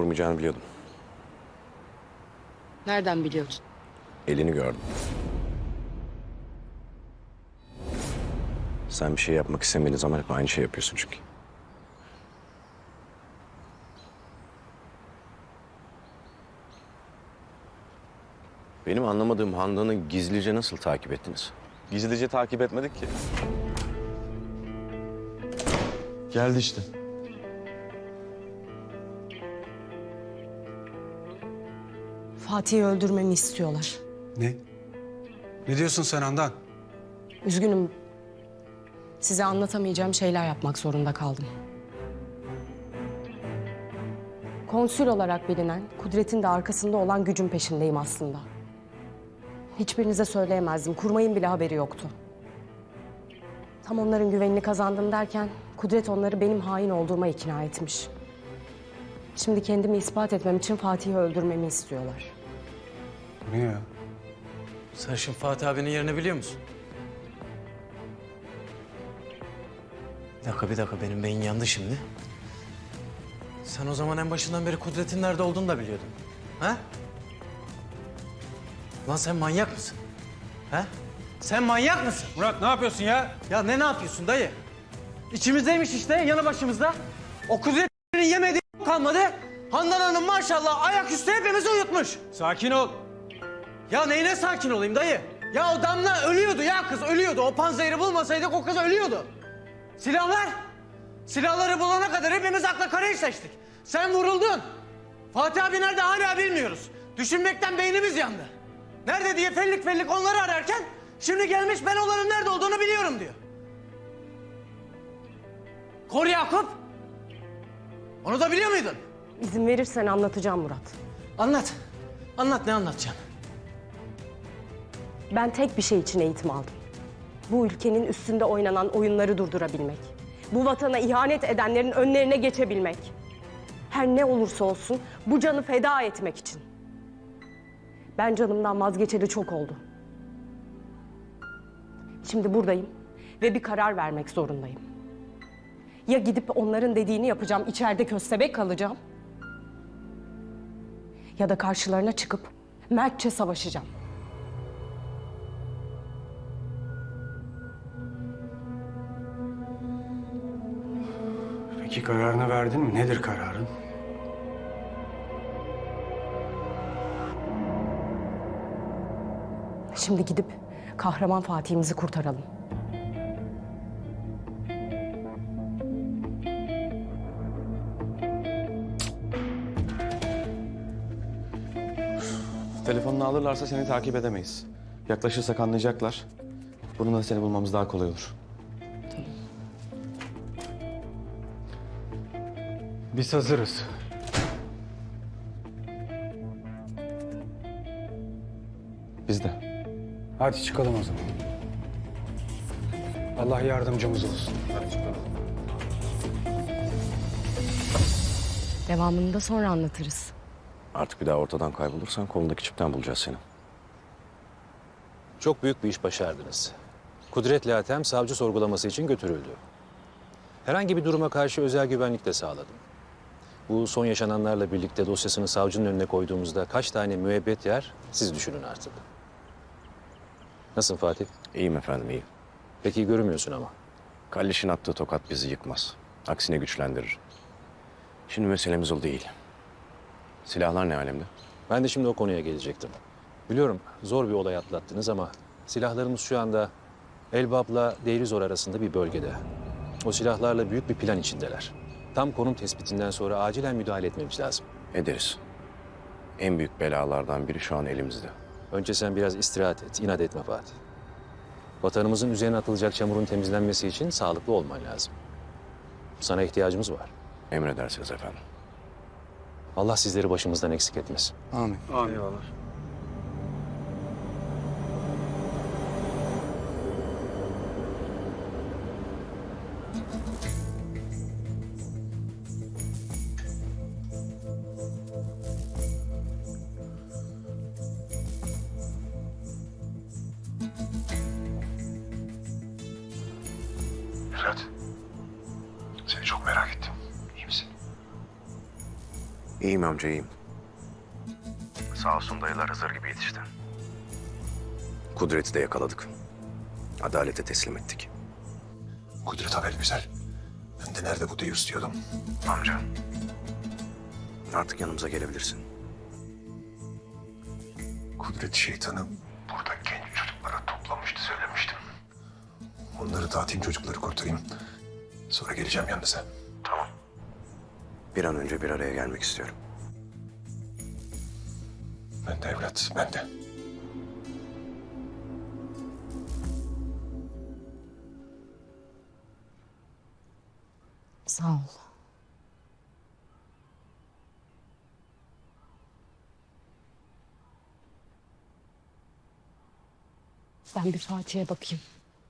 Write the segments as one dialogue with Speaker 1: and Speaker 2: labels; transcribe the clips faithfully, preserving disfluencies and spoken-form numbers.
Speaker 1: olmayacağını biliyordum.
Speaker 2: Nereden biliyordun?
Speaker 1: Elini gördüm. Sen bir şey yapmak istemediğin zaman hep aynı şey yapıyorsun çünkü. Benim anlamadığım Handan'ı gizlice nasıl takip ettiniz?
Speaker 3: Gizlice takip etmedik ki. Geldi işte.
Speaker 2: Fatih'i öldürmemi istiyorlar.
Speaker 4: Ne? Ne diyorsun sen Handan?
Speaker 2: Üzgünüm. Size anlatamayacağım şeyler yapmak zorunda kaldım. Konsül olarak bilinen, Kudret'in de arkasında olan gücün peşindeyim aslında. Hiçbirinize söyleyemezdim. Kurmayın bile haberi yoktu. Tam onların güvenini kazandım derken Kudret onları benim hain olduğuma ikna etmiş. Şimdi kendimi ispat etmem için Fatih'i öldürmemi istiyorlar.
Speaker 4: Bu ne ya?
Speaker 5: Sen şimdi Fatih abinin yerini biliyor musun? Bir dakika, bir dakika. Benim beyin yandı şimdi. Sen o zaman en başından beri Kudret'in nerede olduğunu da biliyordun. Ha? Lan sen manyak mısın? Ha? Sen manyak mısın?
Speaker 4: Murat ne yapıyorsun ya?
Speaker 5: Ya ne ne yapıyorsun dayı? İçimizdeymiş işte, yanı başımızda. O Kudret'in yemediği kalmadı. Handan Hanım maşallah ayaküstü hepimizi uyutmuş.
Speaker 4: Sakin ol.
Speaker 5: Ya neyine sakin olayım dayı? Ya o Damla ölüyordu ya, kız ölüyordu. O panzehiri bulmasaydık o kız ölüyordu. Silahlar? Silahları bulana kadar hepimiz akla kara seçtik. Sen vuruldun. Fatih abi nerede hala bilmiyoruz. Düşünmekten beynimiz yandı. Nerede diye fellik fellik onları ararken şimdi gelmiş ben onların nerede olduğunu biliyorum diyor. Kor Yakup. Onu da biliyor muydun?
Speaker 2: İzin verirsen anlatacağım Murat.
Speaker 5: Anlat. Anlat, ne anlatacaksın?
Speaker 2: Ben tek bir şey için eğitim aldım. Bu ülkenin üstünde oynanan oyunları durdurabilmek. Bu vatana ihanet edenlerin önlerine geçebilmek. Her ne olursa olsun bu canı feda etmek için. Ben canımdan vazgeçeli çok oldu. Şimdi buradayım ve bir karar vermek zorundayım. Ya gidip onların dediğini yapacağım, içeride köstebek kalacağım. Ya da karşılarına çıkıp mertçe savaşacağım.
Speaker 4: Peki kararını verdin mi? Nedir kararın?
Speaker 2: Şimdi gidip kahraman Fatih'imizi kurtaralım.
Speaker 3: Telefonunu alırlarsa seni takip edemeyiz. Yaklaşırsak anlayacaklar. Bununla seni bulmamız daha kolay olur.
Speaker 4: Biz hazırız.
Speaker 3: Biz de.
Speaker 4: Hadi çıkalım o zaman. Allah yardımcımız olsun.
Speaker 2: Devamını da sonra anlatırız.
Speaker 1: Artık bir daha ortadan kaybolursan kolundaki çipten bulacağız seni.
Speaker 6: Çok büyük bir iş başardınız. Kudret'le Hatem savcı sorgulaması için götürüldü. Herhangi bir duruma karşı özel güvenlik de sağladım. Bu son yaşananlarla birlikte dosyasını savcının önüne koyduğumuzda kaç tane müebbet yer siz düşünün artık. Nasılsın Fatih?
Speaker 1: İyiyim efendim, iyiyim.
Speaker 6: Pek iyi görünmüyorsun ama.
Speaker 1: Kalliş'in attığı tokat bizi yıkmaz. Aksine güçlendirir. Şimdi meselemiz o değil. Silahlar ne alemde?
Speaker 6: Ben de şimdi o konuya gelecektim. Biliyorum zor bir olay atlattınız ama silahlarımız şu anda Elbap'la Deirizor arasında bir bölgede. O silahlarla büyük bir plan içindeler. Tam konum tespitinden sonra acilen müdahale etmemiz lazım.
Speaker 1: Ederiz. En büyük belalardan biri şu an elimizde.
Speaker 6: Önce sen biraz istirahat et, inat etme Fatih. Vatanımızın üzerine atılacak çamurun temizlenmesi için sağlıklı olman lazım. Sana ihtiyacımız var.
Speaker 1: Emredersiniz efendim.
Speaker 6: Allah sizleri başımızdan eksik etmesin.
Speaker 3: Amin.
Speaker 4: Amin. Eyvallah. Ferhat, seni çok merak ettim. İyi misin?
Speaker 1: İyiyim amca, iyiyim. Sağ olsun dayılar Hızır gibi yetişti. Kudret'i de yakaladık. Adalete teslim ettik.
Speaker 7: Kudret haber güzel. Ben de nerede bu Deus diyordum.
Speaker 1: Amca, artık yanımıza gelebilirsin.
Speaker 7: Kudret şeytanı burada genç çocuklara toplamıştı, söylemiştim. Onları dağıtayım, çocukları kurtarayım. Sonra geleceğim yanınıza.
Speaker 1: Tamam. Bir an önce bir araya gelmek istiyorum.
Speaker 7: Ben de evlat, ben de.
Speaker 2: Sağ ol. Ben bir Fatih'e bakayım.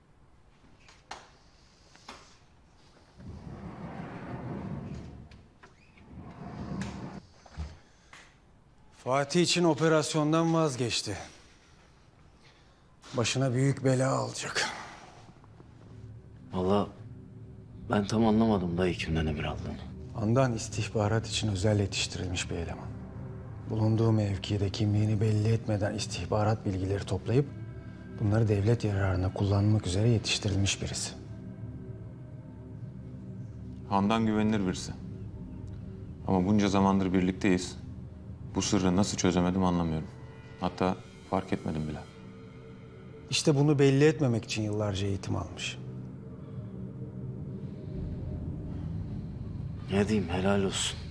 Speaker 4: Fatih için operasyondan vazgeçti. Başına büyük bela alacak.
Speaker 8: Vallahi ben tam anlamadım dayı kimden emir aldığını.
Speaker 4: Handan istihbarat için özel yetiştirilmiş bir eleman. Bulunduğu mevkide kimliğini belli etmeden istihbarat bilgileri toplayıp bunları devlet yararına kullanmak üzere yetiştirilmiş birisi.
Speaker 3: Handan güvenilir birisi. Ama bunca zamandır birlikteyiz. Bu sırrı nasıl çözemedim anlamıyorum. Hatta fark etmedim bile.
Speaker 4: İşte bunu belli etmemek için yıllarca eğitim almış.
Speaker 8: Ne diyeyim helal olsun.